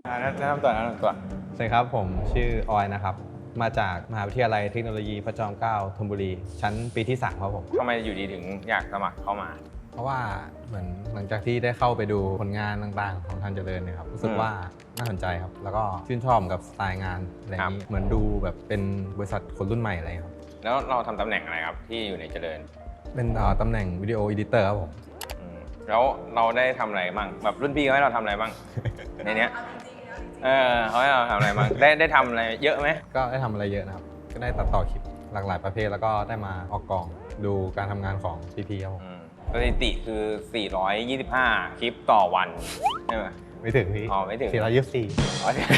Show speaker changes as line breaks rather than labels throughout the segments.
แนะนำตัว
สวัสดีครับผมชื่อออยนะครับมาจากมหาวิทยาลัยเทคโนโลยีพระจอมเกล้าธนบุรีชั้นปีที่3ครับผม
ทำไมอยู่ดีถึงอยากสมัครเข้ามา
เพราะว่าเหมือนหลังจากที่ได้เข้าไปดูผลงานต่างๆของทางเจริญเนี่ยครับรู้สึกว่าน่าสนใจครับแล้วก็ชื่นชอบกับสไตล์งานอะไรนี้เหมือนดูแบบเป็นบริษัทคนรุ่นใหม่อะไรครับ
แล้วเราทำตำแหน่งอะไรครับที่อยู่ในเจริญ
เป็นตำแหน่งวิดีโอเอดิเตอร์ครับผม
แล้วเราได้ทำอะไรบ้างแบบรุ่นพี่เขาให้เราทำอะไรบ้างในเนี้ยเขาให้เราทำอะไรบ้างได้ทำอะไรเยอะไหม
ก็ได้ทำอะไรเยอะนะครับก็ได้ตัดต่อคลิปหลากหลายประเภทแล้วก็ได้มาออกกองดูการทำงานของพี่ๆครับผม
สถิติคือ425คลิปต่อวันใช่ไหม
ไม่ถึงพี่
ไม่ถึง
424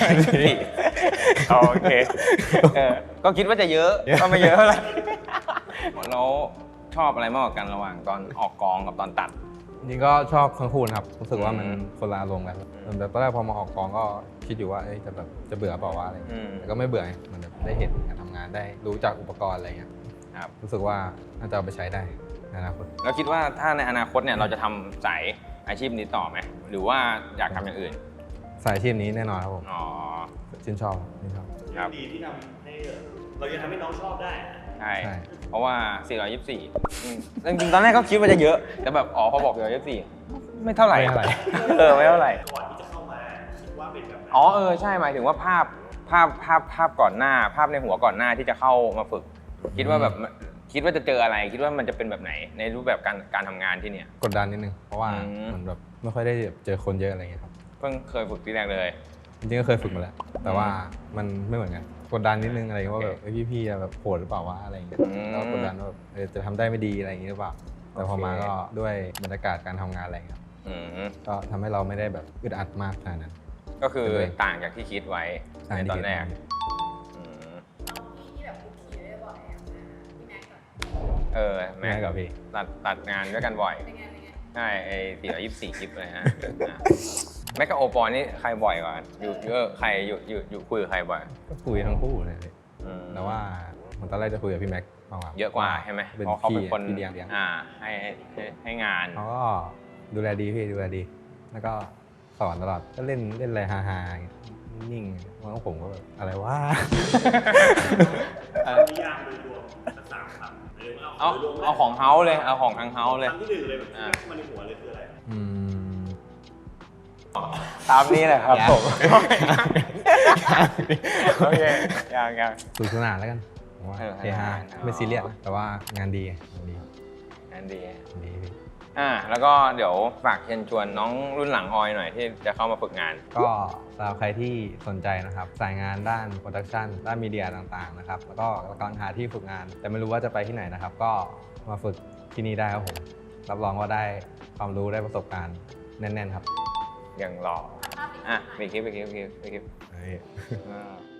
โอเคก็คิดว่าจะเยอะก็ไม่เยอะเท่าไหร่แล้วชอบอะไรมากกว่ากันระหว่างตอนออกกองกับตอนตัด
จริงก็ชอบทั้งคู่นะครับรู้สึกว่ามันคนละอารมณ์กันแต่ตอนแรกพอมาออกกองก็คิดอยู่ว่าจะเบื่อเปล่าว่าอะไรแต่ก็ไม่เบื่อมันได้เห็นการทำงานได้รู้จักอุปกรณ์อะไรเงี้ย
ครับ
รู้สึกว่าน่าจะเอาไปใช้ได้ในอนาคต
แล้วคิดว่าถ้าในอนาคตเนี่ยเราจะทำสายอาชีพนี้ต่อไหมหรือว่าอยากทำอย่างอื่น
สายอาชีพนี้แน่นอนครับผมชื่นชอบ
ครับ
ดีที่ทำให้เราจะทำให้น้องชอบได้
ใช่เพราะว่า424จริงๆตอนแรกก็คิดว่าจะเยอะแต่แบบพอบอก424ไม่เท่าไหร่ไม่เท่าไหร่
ก่อนที่จะเข้ามาคิดว่าเป็นแบบ
ใช่หมายถึงว่าภาพก่อนหน้าภาพในหัวก่อนหน้าที่จะเข้ามาฝึกคิดว่าแบบคิดว่าจะเจออะไรคิดว่ามันจะเป็นแบบไหนในรูปแบบการทำงานที่เนี่ย
กดดันนิดนึงเพราะว่าเหมือนแบบไม่ค่อยได้เจอคนเยอะอะไรเงี้ยครับ
เพิ่งเคยฝึกที่แรกเลย
จริงๆก็เคยฝึกมาแล้วแต่ว่ามันไม่เหมือนกันกดดันนิดนึงอะไรว่าแบบพี่ๆแบบโหดหรือเปล่าวะอะไรอย่างเงี้ยแล้วกดดันว่าจะทำได้ไม่ดีอะไรอย่างเงี้ยหรือเปล่าแต่พอมาก็ด้วยบรรยากาศการทำงานอะไรครับก็ทำให้เราไม่ได้แบบอึดอัดมากขนาดนั้น
ก็คือต่างจากที่คิดไว้ในตอนแรกแม็กกับพี่ตัดงานด้วยกันบ่อยใช่ไอ้424คลิปเลยฮะแม็กกับโอปอลนี่ใครบ่อยกว่าอยู่ใครอยู่คุยกับใครบ่อย
ก็คุยทั้งคู่เลยแต่ว่าตอนแรกจะคุยกับพี่แม็กมากกว่า
เยอะกว่าใช่ไหมเพราะเขาเป็นคน
เลี้ยง
ให้งาน
เขาก็ดูแลดีพี่ดูแลดีแล้วก็สอนตลอดก็เล่นอะไรฮาๆนิ่งๆแล้วผมก็แบบอะไรวะ
นิยามโดยรวม3 คำ
เอาของเฮาเลยเอาของทางเฮาเลย
คำที่1เลยแบบที่มันในหัวเลยคืออะไร
ตามนี้แหละครับผมโอเคยัง
สนุกสนานแล้วกันว่าเฮฮาไม่ซีเรียสแต่ว่างานดีพี่
แล้วก็เดี๋ยวฝากเชิญชวนน้องรุ่นหลังออยหน่อยที่จะเข้ามาฝึกงาน
ก็สำหรับใครที่สนใจนะครับสายงานด้านโปรดักชันด้านมีเดียต่างๆนะครับแล้วก็กำลังหาที่ฝึกงานแต่ไม่รู้ว่าจะไปที่ไหนนะครับก็มาฝึกที่นี่ได้ครับผมรับรองว่าได้ความรู้ได้ประสบการณ์แน่นๆครับ
อย่างหล่อไปคลิป